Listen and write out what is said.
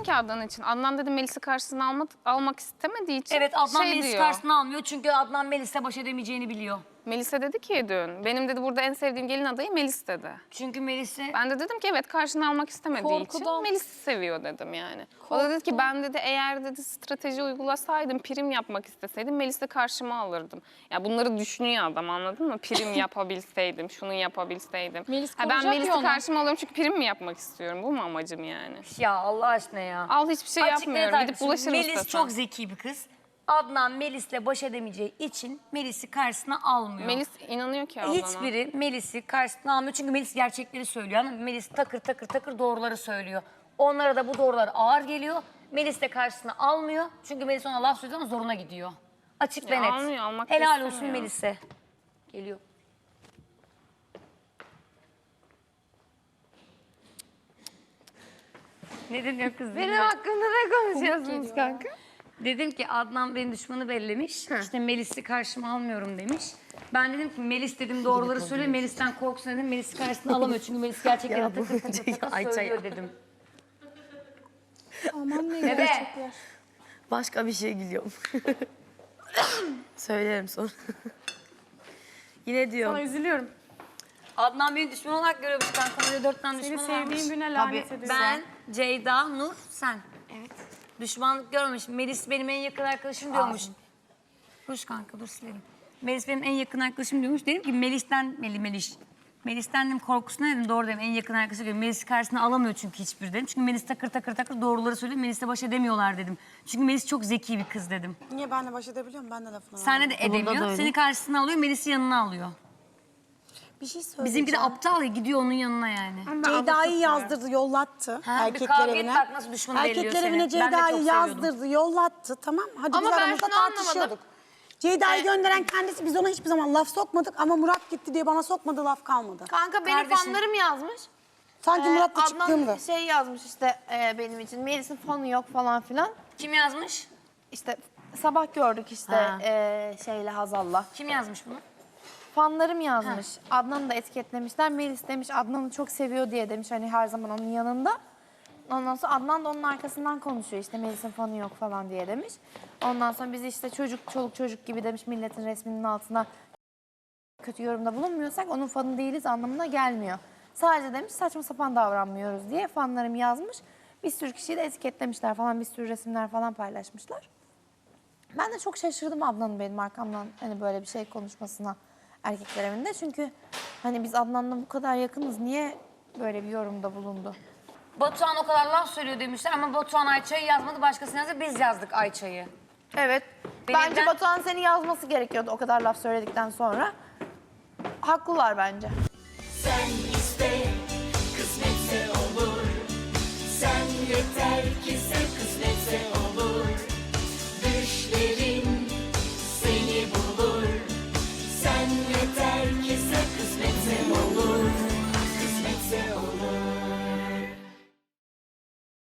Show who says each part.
Speaker 1: dedim ki Adnan için. Adnan dedi Melis'i karşısına almak istemediği için
Speaker 2: Evet, Adnan Melis'i
Speaker 1: diyor.
Speaker 2: karşısına almıyor çünkü Adnan Melis'le baş edemeyeceğini biliyor.
Speaker 1: Melis'e dedi ki dün, benim dedi burada en sevdiğim gelin adayı Melis dedi.
Speaker 2: Çünkü Melis'i...
Speaker 1: Ben de dedim ki evet karşına almak istemediği için Melis'i seviyor dedim yani. O da dedi ki ben dedi eğer dedi strateji uygulasaydım, prim yapmak isteseydim Melis'i karşıma alırdım. Ya bunları düşünüyor adam, anladın mı? Prim yapabilseydim, şunu yapabilseydim. Ben Melis'i karşıma alıyorum çünkü prim mi yapmak istiyorum? Bu mu amacım yani?
Speaker 2: Ya Allah aşkına ya.
Speaker 1: Al hiçbir şey yapmıyorum. Gidip bulaşırım
Speaker 2: Melis
Speaker 1: istesem.
Speaker 2: çok zeki bir kız. Adnan Melis'le baş edemeyeceği için Melis'i karşısına almıyor.
Speaker 1: Melis inanıyor ki Adnan'a.
Speaker 2: Hiçbiri Melis'i karşısına almıyor çünkü Melis gerçekleri söylüyor. Ama Melis takır takır takır doğruları söylüyor. Onlara da bu doğrular ağır geliyor. Melis de karşısına almıyor. Çünkü Melis ona laf söylüyor ama zoruna gidiyor. Açık ve net.
Speaker 1: Almıyor, almak da
Speaker 2: Helal olsun
Speaker 1: istemiyor.
Speaker 2: Melis'e. Geliyor. Ne deniyor kız?
Speaker 3: Benim hakkımda ne konuşuyorsunuz kanka?
Speaker 2: Dedim ki Adnan benim düşmanı bellemiş. İşte Melis'i karşıma almıyorum demiş. Ben dedim ki Melis dedim doğruları söyle. Melis'ten korksun dedim. Melis'i karşısına alamıyor. Çünkü Melis gerçekten takır takır takır söylüyor dedim.
Speaker 3: Aman ne
Speaker 2: Evet.
Speaker 3: gerçekler.
Speaker 4: Başka bir şey gülüyorum. Söylerim sonra. Yine diyorum.
Speaker 3: Sana üzülüyorum.
Speaker 2: Adnan beni düşman olarak görüyormuş kanka. Böyle 4 tane
Speaker 3: Seni
Speaker 2: düşmanı varmış.
Speaker 3: sevdiğim güne lanet
Speaker 2: Tabii.
Speaker 3: ediyorsun.
Speaker 2: Ben, Ceyda, Nur, sen. Evet. Düşmanlık görmemiş. Melis benim en yakın arkadaşım diyormuş. Dur kanka dur silerim. Melis benim en yakın arkadaşım diyormuş. Dedim ki Melis'ten dedim korkusuna dedim doğru dedim en yakın arkadaşı diyorum. Melis'i karşısına alamıyor çünkü hiçbir dedim. Çünkü Melis takır takır takır doğruları söylüyor. Melis'le baş edemiyorlar dedim. Çünkü Melis çok zeki bir kız dedim.
Speaker 5: Niye benle baş edebiliyorum? Ben de lafını
Speaker 2: Senle de
Speaker 4: Bunda da
Speaker 2: edemiyor.
Speaker 4: öyle.
Speaker 2: Seni karşısına alıyor, Melis'i yanına alıyor.
Speaker 5: Bir şey söyleyeceğim.
Speaker 2: Bizimki de aptal ya gidiyor onun yanına yani.
Speaker 5: Ceyda'yı yazdırdı, yollattı
Speaker 2: bir
Speaker 5: erkekler
Speaker 2: kavga et
Speaker 5: evine.
Speaker 2: bak nasıl düşmanı belliyor
Speaker 5: Erkekler
Speaker 2: seni.
Speaker 5: evine
Speaker 2: Ben de çok
Speaker 5: Ceyda'yı
Speaker 2: seviyordum.
Speaker 5: yazdırdı, yollattı. Tamam, hadi
Speaker 3: Ama
Speaker 5: biz
Speaker 3: ben
Speaker 5: aramızda
Speaker 3: şunu anlamadım.
Speaker 5: tartışıyorduk. Ceyda'yı gönderen kendisi, biz ona hiçbir zaman laf sokmadık ama Murat gitti diye bana sokmadığı laf kalmadı.
Speaker 3: Kanka benim
Speaker 2: Kardeşim.
Speaker 3: fanlarım yazmış.
Speaker 5: Sanki Murat'la çıktığımda.
Speaker 3: Adnan şey yazmış işte benim için. Melis'in fanı yok falan filan.
Speaker 2: Kim yazmış?
Speaker 3: İşte sabah gördük işte
Speaker 2: Ha.
Speaker 3: şeyle Hazal'la.
Speaker 2: Kim yazmış bunu?
Speaker 3: Fanlarım yazmış. Adnan'ı da etiketlemişler. Melis demiş Adnan'ı çok seviyor diye demiş hani her zaman onun yanında. Ondan sonra Adnan da onun arkasından konuşuyor işte Melis'in fanı yok falan diye demiş. Ondan sonra biz işte çoluk çocuk gibi demiş milletin resminin altına kötü yorumda bulunmuyorsak onun fanı değiliz anlamına gelmiyor. Sadece demiş saçma sapan davranmıyoruz diye fanlarım yazmış. Bir sürü kişiyi de etiketlemişler falan bir sürü resimler falan paylaşmışlar. Ben de çok şaşırdım Adnan'ın benim arkamdan hani böyle bir şey konuşmasına erkekler evinde. Çünkü hani biz Adnan'la bu kadar yakınız niye böyle bir yorumda bulundu?
Speaker 2: Batuhan o kadar laf söylüyor demişler ama Batuhan Ayça'yı yazmadı. Başkasını yazdı. Biz yazdık Ayça'yı.
Speaker 3: Evet. Bence Batuhan seni yazması gerekiyordu o kadar laf söyledikten sonra. Haklılar bence.
Speaker 6: Sen iste, kısmetse olur. Sen yeter ki sev, kısmetse